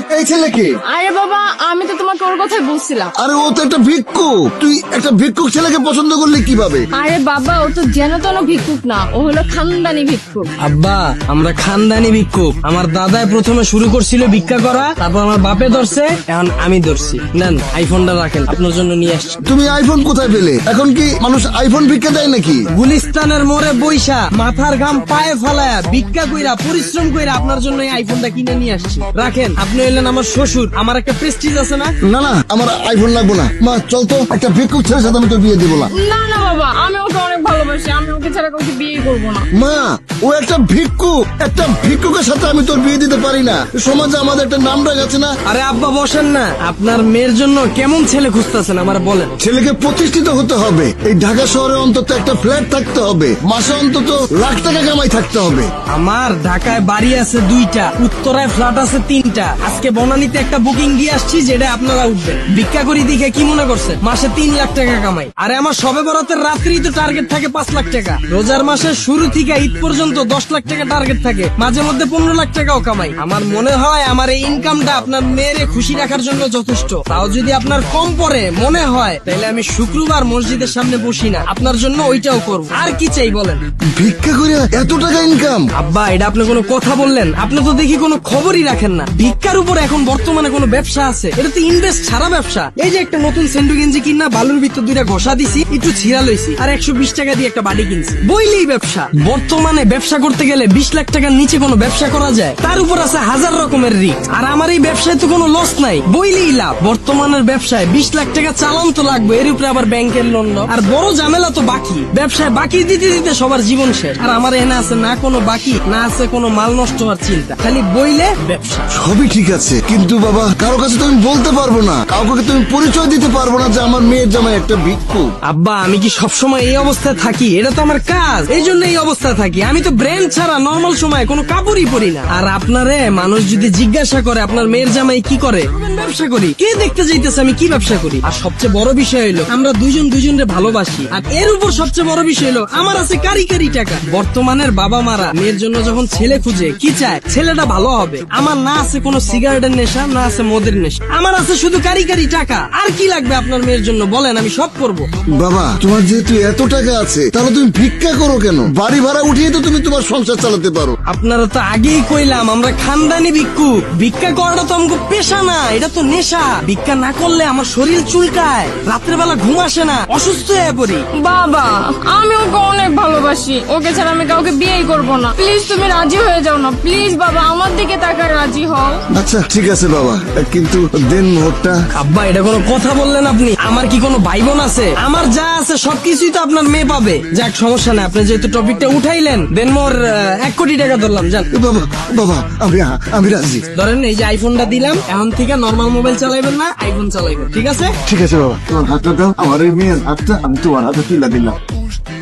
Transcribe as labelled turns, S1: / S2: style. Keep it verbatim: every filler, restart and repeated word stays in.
S1: এই ছেলেকে?
S2: আরে বাবা, আমি তো তোমাকে ওর কথাই বলছিলাম।
S1: আরে ও তো একটা ভিক্ষুক, তুই একটা ভিক্ষুক ছেলেকে পছন্দ করলি কিভাবে?
S2: আরে বাবা, ও তো যেন তেন ভিক্ষুক না, ও হলো খানদানি ভিক্ষুক।
S3: আব্বা, আমরা খানদানি ভিক্ষুক। আমার দাদাই প্রথমে শুরু করছিল ভিক্ষা করা, তারপর আমার বাপে ধরছে, এখন আমি ধরছি। নেন আইফোনটা রাখেন, আপনার জন্য নিয়ে আসছি।
S1: তুমি আইফোন কোথায় পেলে? এখন কি মানুষ আইফোন ভিক্ষা দেয় নাকি?
S3: গুলিস্তানের মোড়ে বইসা মাথার ঘাম পায়ে ফালায়া ভিক্ষা কইরা পরিশ্রম কইরা আপনার জন্য এই আইফোনটা কিনে নিয়ে আসছি। রাখেন, আপনি হইলেন আমার শ্বশুর, আমার একটা প্রেস্টিজ আছে না?
S1: না না, আমার আইফোন লাগবো না। মা চল তো, একটা ভিক্ষুক ছেলের সাথে আমি তো বিয়ে দিব না।
S2: না না বাবা, আমি ওকে অনেক ভালোবাসি, আমি ওকে ছাড়া কাউকে বিয়ে করবো না।
S1: মা, ও একটা ভিক্ষুক, একটা ভিক্ষুকের সাথে আমি তোর বিয়ে দিতে পারি না। সমাজে আমাদের একটা নাম ডাক আছে না?
S3: আরে আব্বা বসেন না, আপনার মেয়ের জন্য কেমন ছেলে খুঁজতেছেন আমার বলেন।
S1: ছেলেকে প্রতিষ্ঠিত হতে হবে, এই ঢাকা শহরে অন্তত একটা ফ্ল্যাট থাকতে হবে, মাসে অন্তত লাখ টাকা কামাই থাকতে হবে।
S3: আমার ঢাকায় বাড়ি আছে দুইটা, উত্তরায় ফ্ল্যাট আছে তিনটা। আজকে বনানীতে একটা বুকিং দিয়ে আসছি, যেটা আপনারা উঠবেন। ভিক্ষা করি দেখে কি মনে করছেন মাসে তিন লাখ টাকা কামাই? আরে আমার সবে বরাতের রাত্রি তো টার্গেট থাকে পাঁচ লাখ টাকা। রোজার মাসের শুরু থেকে ঈদ পর্যন্ত দশ লাখ টাকা টার্গেট থাকে, মাঝে মধ্যে পনেরো লাখ টাকাও কামাই। আমার মনে হয় আমার এই ইনকামটা আপনার মেয়েরে খুশি রাখার জন্য যথেষ্ট। তাও যদি আপনার কম পড়ে মনে হয়, তাহলে আমি শুক্রবার মসজিদের সামনে বসি না, আপনার জন্য ওইটাও করব। আর কি চাই বলেন?
S1: ভিক্ষা করে এত টাকা ইনকাম?
S3: আব্বা, এটা আপনি কোনো কথা বললেন? আপনি তো দেখি কোনো খবরই রাখেন না। ভিক্ষার উপর এখন বর্তমানে কোনো ব্যবসা আছে? এটা তো ইনভেস্ট ছাড়া ব্যবসা। এই যে একটা নতুন সেন্ডু গেঞ্জি কিনা বালুর ভিতর দুইটা ঘষা দিছি, একটু ছিঁড়া লইছি, আর একশো বিশ টাকা দিয়ে একটা বাড়ি কিনছি, বইলেই ব্যবসা। বর্তমানে ব্যবসা করতে গেলে বিশ লাখ টাকার নিচে কোনো ব্যবসা করা যায়? তার উপর আছে হাজার রকমের রিস্ক। আর আমার এই ব্যবসায় তো কোনো লস নাই, বইলেই লাভ। বর্তমানের ব্যবসায় বিশ লাখ টাকা চালান তো লাগবে, এর উপরে আবার ব্যাংকের লোন। আর বড় ঝামেলা তো বাকি। ব্যবসায় বাকি দিতে দিতে সবার জীবন শেষ। আর আমার এনে আছে না কোনো বাকি, না আছে কোনো মাল নষ্ট হওয়ার চিন্তা, খালি বইলে ব্যবসা।
S1: সবই ঠিক আছে, কিন্তু বাবা কারো কাছে তো আমি বলতে পারবো না, কাউকে তুমি পরিচয় দিতে পারবো না যে আমার মেয়ের জামাই একটা ভিক্ষুক।
S3: আব্বা, আমি কি সবসময় এই অবস্থায় থাকি? এটা তো আমার কাজ, এই জন্য এই অবস্থায় থাকি। আমি তো ব্র্যান্ড ছাড়া নর্মাল সময় কোনো কাপড়ই পরি না। আর আপনারে মানুষ যদি জিজ্ঞাসা করে আপনার মেয়ের জামাই কি করে, ব্যবসা করি। কে দেখতে যাইতেছে আমি কি ব্যবসা করি? আর সবচেয়ে বড় বিষয় হলো আমরা দুইজন দুইজনকে ভালোবাসি। আর এর উপর সবচেয়ে বড় বিষয় হলো আমার আছে কারি কারি টাকা। বর্তমানের বাবা মারা মেয়ের জন্য যখন ছেলে খুঁজে কি চায়, ছেলেটা ভালো হবে। আমার না আছে কোনো সিগারেটের নেশা, না আছে মদের নেশা, আমার আছে শুধু কারি কারি টাকা। আর কি লাগবে আপনার মেয়ের জন্য বলেন, আমি সব করব।
S1: বাবা, তোমার যেহেতু এত টাকা আছে, তাহলে তুমি ভিক্ষা করো কেন? বাড়ি ভাড়া উঠিয়ে তো তুমি তোমার সংসার চালাতে পারো।
S3: আপনারা তো আগেই কইলাম আমরা খানদানি ভিক্ষুক। ভিক্ষা করাটা তো আমাকে পেশা না, এটা তো নেশা। ভিক্ষা না করলে আমার শরীর চুলকায়, রাত্রে বেলা ঘুম আসে না, অসুস্থ হয়ে পড়ি।
S2: বাবা, আমি ওকে অনেক ভালোবাসি, ওকে ছাড়া আমি কাউকে বিয়েই করবো না। প্লিজ তুমি রাজি হয়ে যাও না, প্লিজ বাবা, আমার দিকে তাকায় রাজি হও।
S1: আচ্ছা ঠিক আছে বাবা, কিন্তু দেন মোহরটা।
S3: আব্বা, এটা কোনো কথা বললেন আপনি? আমার কি কোনো ভাই বোন আছে? আমার যা আছে সবকিছুই তো আপনার মেয়ে পাবে। যাক, সমস্যা নাই, আপনি যেহেতু টপিকটা উঠাইলেন, দেন মোর আহ, এক কোটি টাকা ধরলাম। যান
S1: বাবা, বাবা আমি আমি রাজি।
S3: ধরেন, এই যে আইফোনটা দিলাম, এখন থেকে নর্মাল মোবাইল চালাইবেন না, আইফোন চালাইবেন, ঠিক আছে?
S1: ঠিক আছে বাবা, তোমার হাতটা দাও, আমার এই মেয়ের হাতটা আমি তোমার হাতে তুলে দিলাম।